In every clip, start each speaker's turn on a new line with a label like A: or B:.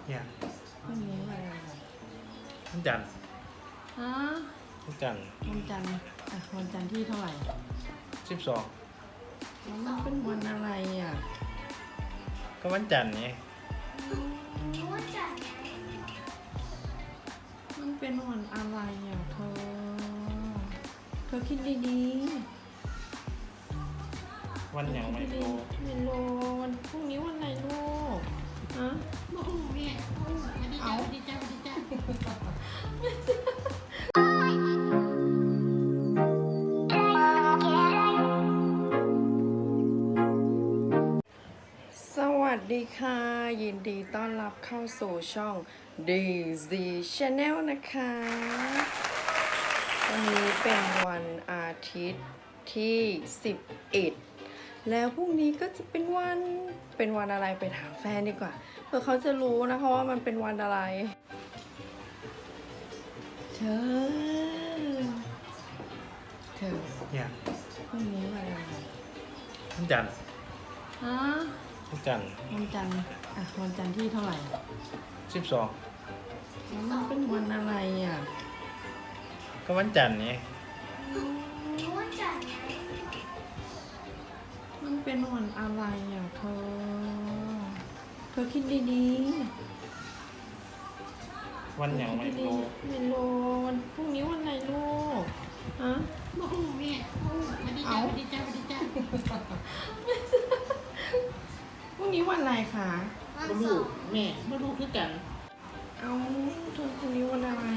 A: เนี่ย
B: พรุ่งนี้อะไรอ่ะ
A: วันจันทร์
B: ฮะ
A: วันจันทร์
B: วันจันทร์วันจันทร์ที่เท่าไหร่
A: 12
B: แล้วมันเป็นวันอะไรอ่ะ
A: ก็วันจันทร์ไง
B: มันเป็นวันอะไรอ่ะเธอคิดดี
A: วัน
B: ๆ
A: อย่างไม่
B: คิด
A: รู้
B: ๆไม่รู้วันพรุ่งนี้วันอะไรลูกฮะเอาสวัสดีค่ะยินดีต้อนรับเข้าสู่ช่อง Daisy Channel นะคะวันนี้เป็นวันอาทิตย์ที่11แล้วพรุ่งนี้ก็จะเป็นวันอะไรไปถามแฟนดีกว่าเพื่อเขาจะรู้นะคะว่ามันเป็นวันอะไรเธอ
A: เนี่ย
B: พรุ่งนี้วันอะไร
A: วันจันทร์
B: ฮะ
A: วันจันทร์
B: วันจันทร์วันจันทร์ที่เท่าไหร่
A: 12
B: แล้วมันเป็นวันอะไรอ่ะ
A: ก็วันจันทร์ไง
B: มันเป็นวันอะไรอ่ะเธอคิดดี
A: วัน
B: ๆ
A: อย่างไม่รู้
B: ไม่รู้วันพรุ่งนี้วันอะไรลูกฮะเอา พรุ่งนี้วันอะไรคะ
A: ไม่รู้แม่ไม่รู้คือกัน
B: เอาเธอพรุ่งนี้วันอะไร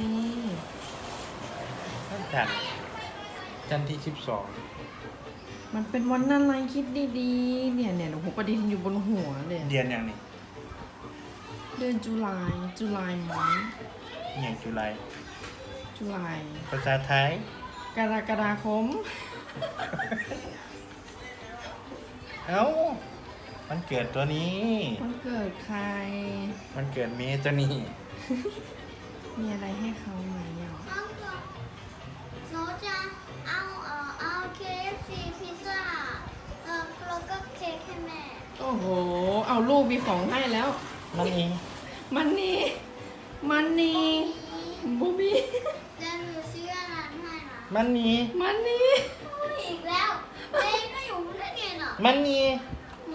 A: วันจันทร์จันทร์ที่
B: มันเป็นวันอะไรคิดดีๆเนี่ยโอ้โหประเด็นอยู่บนหัวเลย
A: 12เดือนอย่างนี้
B: เดือนจุลายมั้ง
A: อย่างจุฬา
B: จุลาย
A: ภาษาไทย
B: กรกฎาคม
A: เอ้ามันเกิดตัวนี้
B: วันเกิดใคร
A: มันเกิดเมย์ตัวนี้
B: มีอะไรให้เขาไหมอ่ะ
C: หนูจะเอา KFC พิซซ่าแล้วก็เค้กให้แม่
B: โอ้โหเอาลูกมีของให้แล้ว
A: มันเอง
B: มันนี่บูบี้
C: แล้วหนูซื้ออาหารให้นะ
A: มันนี่
C: อีกแล้วเองก็อยู่ได้ไงน่ะ
A: มันนี่
C: โอ้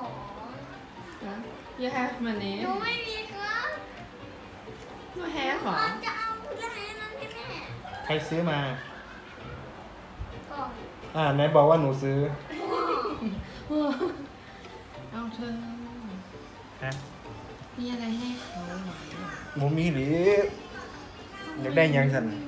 B: you have money
C: หนูไม่มีครับ
B: you have เหรอ
C: จะเอาอะไรนั้นให้แม่
A: ใครซื้อมา
C: ก่อน
A: ไหนบอกว่าหนูซื้อ
B: เอาเธอ
A: ฮะ
B: มีอะไรให้เขาไหม
A: หมูมีหรืออยากได้หยังสัน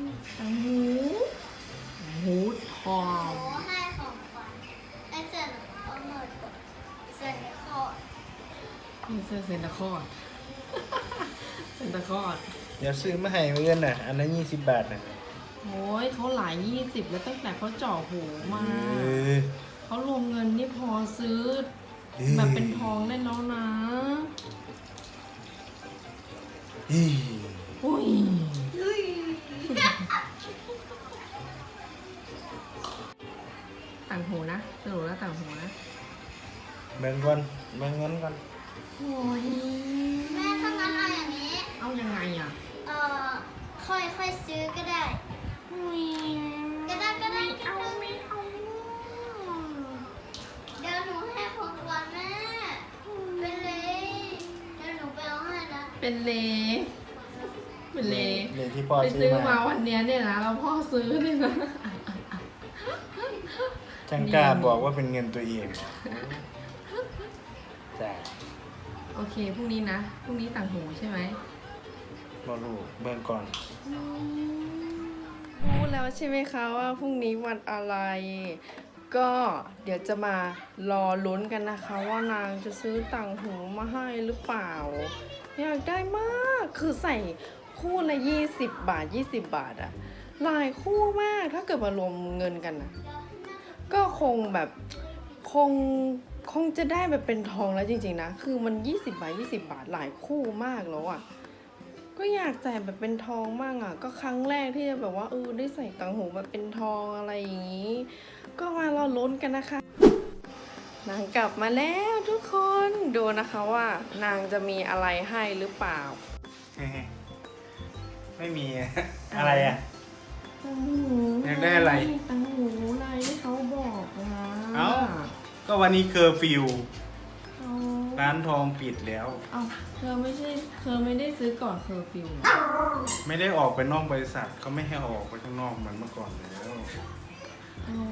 B: หูทอ
C: ห
B: ง
C: นูให้ของขวัญไอ้เจ้าเอาหน่อยก่อนเสร็จแล้วก็
B: นี่เสื้อเซนตาคลอร์ด เซนตาคลอร์ด
A: เดี๋ยวซื้อมาให้เพื่อนน่ะ อันนั้น20 บาทน่ะ
B: โอ้ยเขาหลาย20แล้วตั้งแต่เขาเจาะหูมา
A: เออ
B: เขารวมเงินนี่พอซื้อแบบเป็นทองได้แล้วนะ
A: อี
B: อุ้ย
C: ลุย
B: ต่างหูนะสรุปแล้วต่างหูนะ
A: เบิ่งก่อนเบิ่งเงินก่อน
B: โอ้ย
C: แม่ถ้างั้นเอาอย่างนี้
B: เอายังไงอ่ะ
C: ค่อยซื้อก็ได้
B: อุ้ย
C: ก็ได้
B: ไม่เอา
C: เดี๋ยวหนูให้ของขวัญแม่เป็นเลยเดี๋ยวหนูไปเอาให้นะ
B: เป็นเลเป็นเล
A: เลยที่พ่อ
B: ไป
A: ซื้
B: ซื้
A: อ
B: อมา
A: มา
B: วันเนี้ยเนี่ยนะเราพ่อซื้อเนี่ยนะ
A: จังกล้าบอกว่าเป็นเงินตัวเองจ้ะ
B: โอเคพรุ่งนี้นะพรุ่งนี้ต่างหูใช่ไหม
A: บ่รู้เบิ่งก่อน
B: รู้แล้วใช่ไหมคะว่าพรุ่งนี้วันอะไร ก็เดี๋ยวจะมารอลุ้นกันนะคะว่านางจะซื้อต่างหูมาให้หรือเปล่า อยากได้มากคือใส่คู่ละ20 บาท20 บาทอะหลายคู่มากถ้าเกิดมารวมเงินกันนะก็คงแบบคงจะได้แบบเป็นทองแล้วจริงๆนะคือมัน20 บาท20 บาทหลายคู่มากแล้วอะก็อยากใส่แบบเป็นทองมากอะก็ครั้งแรกที่จะแบบว่าได้ใส่ต่างหูแบบเป็นทองอะไรอย่างนี้ ก็มารอลุ้นกันนะคะนางกลับมาแล้วทุกคน ดูนะคะว่านางจะมีอะไรให้หรือเปล่า
A: ไม่มี อะไรอ่ะ
B: ตังหู
A: อยากได้อะไร
B: ตังหูอะไรที่เขาบอกนะ
A: เอ้า ก็วันนี้เคอร์ฟิว
B: เอา
A: ร้านทองปิดแล้ว
B: เอาเธอไม่ได้ซื้อก่อนเคอร์ฟิวเหรอ
A: ไม่ได้ออกไปนอกบริษัทเขาไม่ให้ออกไปข้างนอกเหมือนเมื่อก่อนแล้ว
B: อ๋อ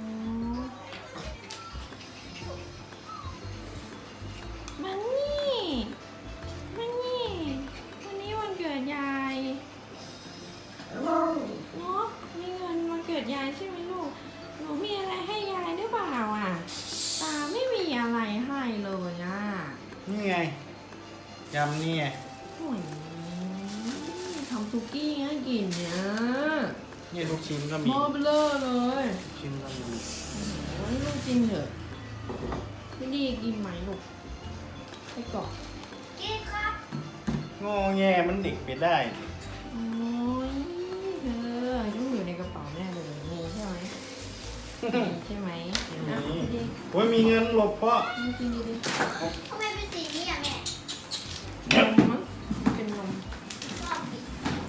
B: มันนี่วันนี้วันเกิดยายเนาะมีเงินวันเกิดยายใช่ไหมลูก หนูมีอะไรให้ยายหรือเปล่าอ่ะ ตาไม่มีอะไรให้เลยอ่ะ
A: นี่ไงยำนี่ไง
B: โอ้ยทำซุกี้ให้กินเนี่ย
A: นี่ลูกชิ้นก็
B: ห
A: มี
B: ม้อเบลอเลย
A: ลูกชิ้นก็มี
B: โอ้ยลูกกินเถอะไม่ดีกินไหมลูกไปก่อน
C: กินครับ
A: งอแงมันเด็กไปได้
B: โอ้ยเธอต้องอยู่ในกระเป๋าแน่เลยมีใช่ไหมมีใช่ไหมอ่ะ
A: นี่
B: ดี
A: โอ้ยมีเงินหลบเพราะ
B: ๆกินดี
C: ทำไมเป็นสีนี้อ่ะแม่
B: ๆนมมั้งเป็นนม
C: ชอบสี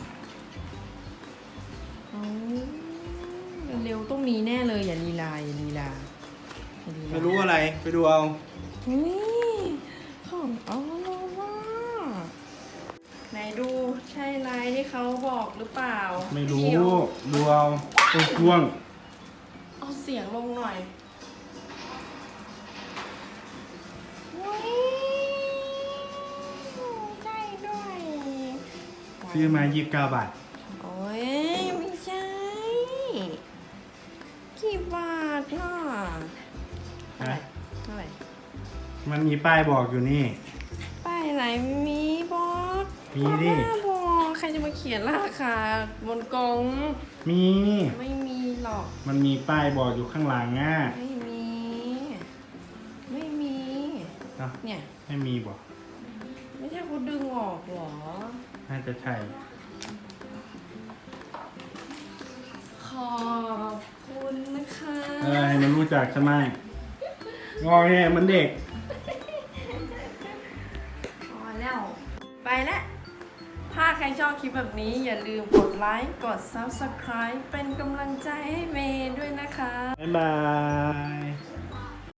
B: เอาเร็วๆต้องมีแน่เลยอย่าลีลาอย่าลีลาอย่าลีลา
A: ไม่รู้อะไรไปดูเอา
B: อุ้ยของอร่อยว่ะไหนดูใช่ลายที่เขาบอกหรือเปล่า
A: ไม่รู้
B: เดี๋ยว
A: ดูเอาตัวกวง
B: เอาเสียงลงหน่อยอุ้ยใกล้ด้วย
A: ซื้อมา29 บาท
B: โอ้ยไม่ใช่กี่บาทน่ะเท่าไหร่
A: ฮะ
B: เท่าไหร่
A: มันมีป้ายบอกอยู่นี่
B: ป้ายไหนมีบอก
A: มีดิ
B: บ้าบอกใครจะมาเขียนราคาบนกล่อง
A: มี
B: ไม่มีหรอก
A: มันมีป้ายบอกอยู่ข้างหลังอ่ะ
B: ไม่มี ไม่มี
A: เนาะ
B: เนี่ย
A: ไม่มีบอก
B: ไม่ใช่เขาดึงออกเหรอ
A: น่าจะใช่
B: ขอบคุณนะคะ
A: ให้มันรู้จักใช่ไหมงอแงมันเด็ก
B: พอแล้ว ไปแล้ว ถ้าใครชอบคลิปแบบนี้อย่าลืมกดไลค์ กด Subscribe เป็นกำลังใจให้เมย์ด้วยนะคะ
A: บ๊ายบาย